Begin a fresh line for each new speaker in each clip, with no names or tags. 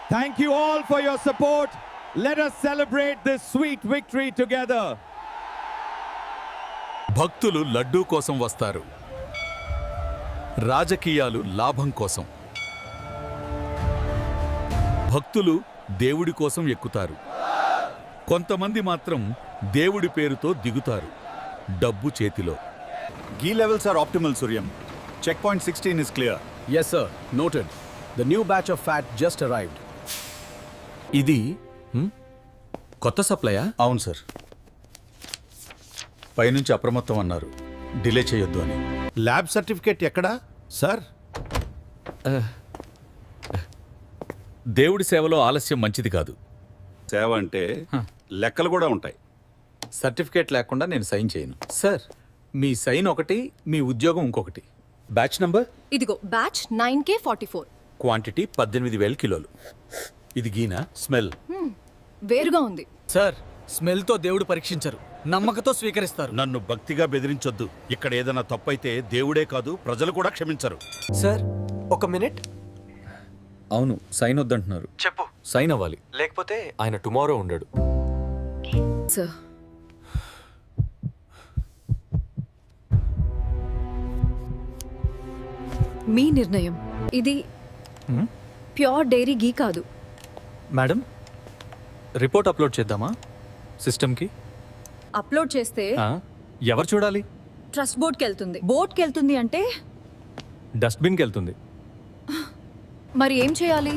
Thank you all for your support. Let us celebrate this sweet victory together.
భక్తులు లడ్డూ కోసం వస్తారు, రాజకీయాలు లాభం కోసం. భక్తులు దేవుడి కోసం ఎక్కుతారు, కొంతమంది మాత్రం దేవుడి పేరుతో దిగుతారు, డబ్బు చేతిలో.
Ghee levels are optimal, Suryam. Checkpoint 16 is clear.
Yes, sir. Noted. The new batch of fat just arrived. ఇది కొత్త సప్లయా?
అవును సార్, పైనుంచి అప్రమత్తం అన్నారు, డిలే చేయొద్దు అని.
ల్యాబ్ సర్టిఫికేట్ ఎక్కడా సార్?
దేవుడి సేవలో ఆలస్యం మంచిది కాదు.
సేవ అంటే లెక్కలు కూడా ఉంటాయి.
సర్టిఫికేట్ లేకుండా నేను సైన్ చేయను. సార్, మీ సైన్ ఒకటి, మీ ఉద్యోగం ఇంకొకటి. Batch number?
ఇదిగో బ్యాచ్ 9K44.
క్వాంటిటీ 18,000 కిలోలు. ఇది గీనా? స్మెల్
వేరుగా ఉంది.
సార్, స్మెల్తో దేవుడు పరీక్షించరు, నమ్మకతో స్వీకరిస్తారు.
నన్ను భక్తిగా బెదిరించొద్దు. ఇక్కడ ఏదైనా తప్పైతే దేవుడే కాదు ప్రజలు కూడా క్షమించరు.
సార్, ఒక మినిట్.
అవును, సైన్ వద్దంటున్నారు.
చెప్పు.
సైన్ అవ్వాలి,
లేకపోతే ఆయన టుమారో ఉండడు.
సార్, మీ నిర్ణయం. ఇది ప్యూర్ డైరీ గీ కాదు.
మేడం, రిపోర్ట్ అప్లోడ్ చేద్దామా సిస్టమ్కి?
అప్లోడ్ చేస్తే
ఎవరు చూడాలి?
ట్రస్ట్ బోర్డ్కి వెళ్తుంది. బోర్డ్కి వెళ్తుంది అంటే
డస్ట్బిన్కి వెళ్తుంది.
మరి ఏం చేయాలి?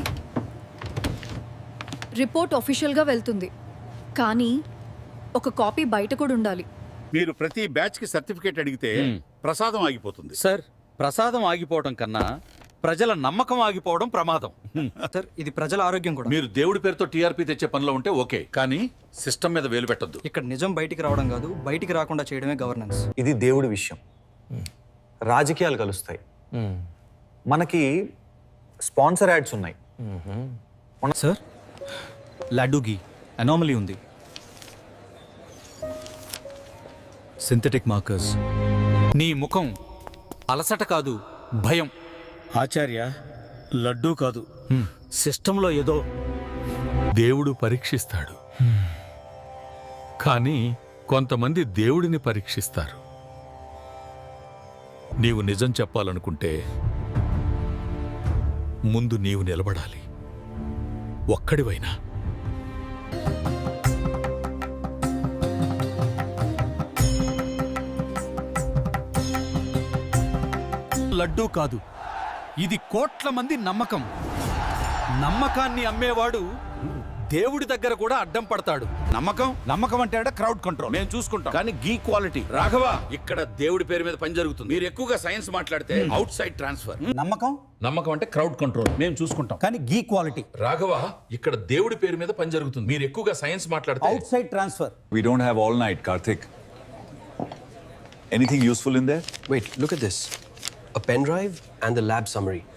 రిపోర్ట్ ఆఫీషియల్గా వెళ్తుంది, కానీ ఒక కాపీ బయట కూడా ఉండాలి.
మీరు ప్రతి బ్యాచ్ కి సర్టిఫికేట్ అడిగితే ప్రసాదం ఆగిపోతుంది.
సార్, ప్రసాదం ఆగిపోవడం కన్నా ప్రజల నమ్మకం ఆగిపోవడం ప్రమాదం.
సార్, ఇది ప్రజల ఆరోగ్యం కూడా.
మీరు దేవుడి పేరుతో టీఆర్పీ తెచ్చే పనిలో ఉంటే ఓకే, కానీ సిస్టమ్ మీద వేలు పెట్టొద్దు.
ఇక్కడ నిజం బయటికి రావడం కాదు, బయటికి రాకుండా చేయడమే గవర్నెన్స్.
ఇది దేవుడి విషయం. రాజకీయాలు కలుస్తాయి. మనకి స్పాన్సర్ యాడ్స్ ఉన్నాయి.
సార్, లడ్డు గీ అనామలీ ఉంది. Synthetic markers.
నీ ముఖం అలసట కాదు, భయం.
ఆచార్య, లడ్డూ కాదు,
సిస్టంలో ఏదో దేవుడు పరీక్షిస్తాడు, కానీ కొంతమంది దేవుడిని పరీక్షిస్తారు. నీవు నిజం చెప్పాలనుకుంటే ముందు నీవు నిలబడాలి, ఒక్కడివైనా. లడ్డూ కాదు, ఇది కోట్ల మంది నమ్మకం. నమ్మకాన్ని అమ్మేవాడు దేవుడి దగ్గర కూడా అడ్డం పడతాడు.
నమ్మకం అంటే క్రౌడ్ కంట్రోల్ మేము చూసుకుంటాం, కానీ గీ క్వాలిటీ.
రాఘవ, ఇక్కడ దేవుడి పేరు మీద పని జరుగుతుంది. మీరు ఎక్కువగా సైన్స్ మాట్లాడితే అవుట్ సైడ్ ట్రాన్స్ఫర్. నమ్మకం అంటే క్రౌడ్ కంట్రోల్ మేము చూసుకుంటాం,
కానీ గీ క్వాలిటీ.
రాఘవ, ఇక్కడ దేవుడి పేరు మీద పని జరుగుతుంది. మీరు ఎక్కువగా సైన్స్ మాట్లాడితే
outside transfer.
We don't have all night, Karthik. Anything useful in there?
Wait, look at this. A pen drive and the lab summary.